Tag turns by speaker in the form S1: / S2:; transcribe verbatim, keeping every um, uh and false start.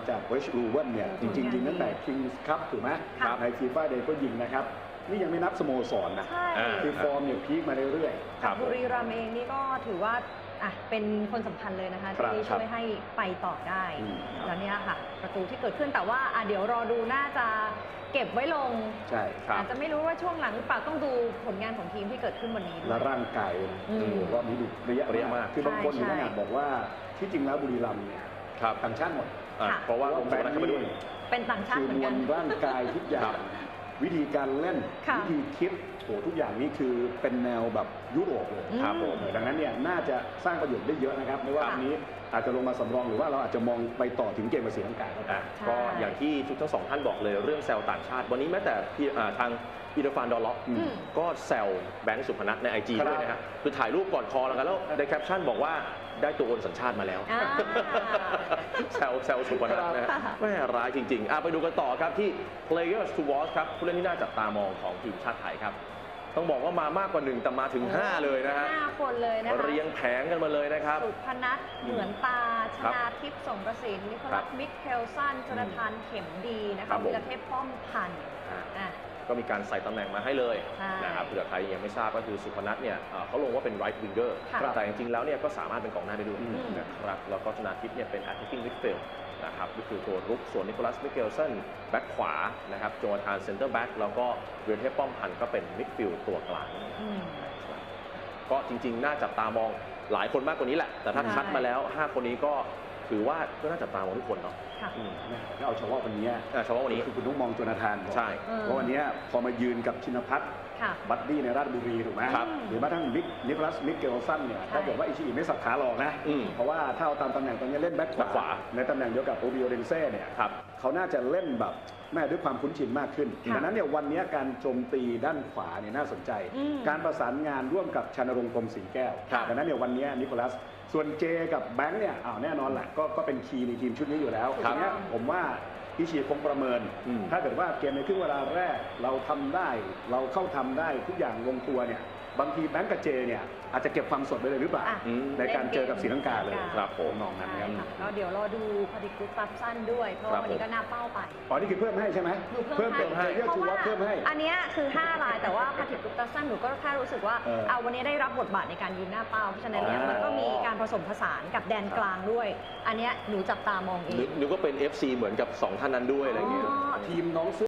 S1: จากเวชรูเวนเนี่ยจริงๆยิงตั้งแต่คิงส์คัพถูกไหมในฟีฟ่าเดย์ก็ยิงนะครับนี่ยังไม่นับสโมสรนะคือฟอร์มเนี่ยพีคมาเรื่อย
S2: ๆบุรีรัมย์เองนี่ก็ถือว่าอ่ะเป็นคนสำคัญเลยนะคะที่ช่วยให้ไปต่อได้แล้วเนี่ยค่ะประตูที่เกิดขึ้นแต่ว่าอ่ะเดี๋ยวรอดูน่าจะเก็บไว้ลง
S1: ใช่ครับ
S2: อาจจะไม่รู้ว่าช่วงหลังหรือเปล่าต้องดูผลงานของทีมที่เกิดขึ้นวันนี้
S1: และร่างกายว่ามีระยะระยะมากคือบางคนถึงขนาดบอกว่าที่จริงแล้วบุรีรัมย์เนี่ยต่างชาติหมด
S2: เ
S1: พราะว่าผมแบงค์เข้าไปด้วย
S2: เป็นต่างชาติเหมือนกัน
S1: ร่างกายทุกอย่างวิธีการเล่นวิธีคิดโหทุกอย่างนี้คือเป็นแนวแบบยุโรปเลยครับผมดังนั้นเนี่ยน่าจะสร้างประโยชน์ได้เยอะนะครับไม่ว่าอันนี้อาจจะลงมาสำรองหรือว่าเราอาจจะมองไปต่อถึงเกมกับศรีลังกา
S3: ก็อย่างที่ทุกทั้งสองท่านบอกเลยเรื่องแซวต่างชาติวันนี้แม้แต่ทางอีเดฟานดอลล็อกก็แซวแบงค์สุพนัทในไอจีด้วยนะฮะคือถ่ายรูปก่อนคอแล้วกันแล้วในแคปชั่นบอกว่าได้ตัวโอนสัญชาติมาแล้วแซวแซวสุพนัทนะไม่ร้ายจริงๆไปดูกันต่อครับที่ Players to Watch ครับผู้เล่นที่น่าจับตามองของทีมชาติไทยครับต้องบอกว่ามามากกว่าหนึ่งแต่มาถึงห้าเลยนะฮะ
S2: ห้าคนเลยนะคะ
S3: เรียงแผงกันมาเลยนะครับ
S2: สุพนัทเหมือนตาชนาทิพย์สงกระสินนิโคลัสมิกเคลสันจนทานเข็มดีนะคะวีรเทพป้อมพันธ์
S3: ก็มีการใส่ตำแหน่งมาให้เลยนะครับเผื่อใครยังไม่ทราบก็คือสุพนัทเนี่ยเขาลงว่าเป็น right winger แต่จริงๆแล้วเนี่ยก็สามารถเป็นกองหน้าได้ด้วยนะครับแล้วก็ชนาทิพย์เนี่ยเป็น attacking midfield นะครับก็คือตัวรุกส่วนนิโคลัสมิเกลสันแบ็คขวานะครับโจนาธานเซนเตอร์แบ็คแล้วก็วีรเทพป้อมพันธ์ก็เป็นมิดฟิลด์ตัวกลางก็จริงๆน่าจับตามองหลายคนมากกว่านี้แหละแต่ถ้าคัดมาแล้วห้าคนนี้ก็ถือว่าก็น่าจับตามองทุกคนเนาะ
S1: ถ้าเอาเฉพาะวันนี้
S3: เฉพาะวันนี้
S1: คือคุณต้องมองโจนาธาน
S3: ใช่
S1: เพราะวันนี้พอมายืนกับชินภัทรบัดดี้ในราชบุรีถูกไหมหรือแม้กระทั่งมิกนิโคลัสมิกเกลสันเนี่ยถ้าเกิดว่าอิชิอิไม่สับขาหลอกนะเพราะว่าถ้าเอาตามตำแหน่งตรงนี้เล่นแบ็คขวาในตำแหน่งเดียวกับโอบิโอเดนเซ่เนี่ยเขาน่าจะเล่นแบบแม่ด้วยความคุ้นชินมากขึ้นดังนั้นเนี่ยวันนี้การโจมตีด้านขวาเนี่ยน่าสนใจการประสานงานร่วมกับชานรงค์พรหมศรีแก้วดังนั้นเนี่ยวันนี้นิโคลัสส่วนเจกับแบงค์เนี่ยอ้าวแน่นอนแหละก็ก็เป็นคีย์ในทีมชุดนี้อยู่แล้วทีนี้ผมว่าอิชิคงประเมินถ้าเกิดว่าเกมในครึ่งเวลาแรกเราทำได้เราเข้าทำได้ทุกอย่างลงตัวเนี่ยบางทีแบงก์กับเจเนี่ยอาจจะเก็บความสดไปเลยหรือเปล่าในการเจอกับศรีลังกาเลยครับผมมองนั้นครับ
S2: ก็เดี๋ยวรอดูพอดีกรุ๊ปตับสั้นด้วยเพราะวันนี้ก็น่าเป้าไป
S1: อ๋อนี่คือเพิ่มให้ใช่ไหม
S2: เพิ่ม
S1: ให้เรียกทูวอตเพิ่มให้
S2: อันนี้คือห้ารายแต่ว่าพอดีกรุ๊ปตับสั้นหนูก็แค่รู้สึกว่าเอาวันนี้ได้รับบทบาทในการยืนหน้าเป้าเพราะฉะนั้นเนี่ยมันก็มีการผสมผสานกับแดนกลางด้วยอันนี้หนูจับตามองเอง
S3: หนูก็เป็น เอฟ ซี เหมือนกับสองท่านนั้นด้วยอะไรเงี้ย
S1: ทีมน้อง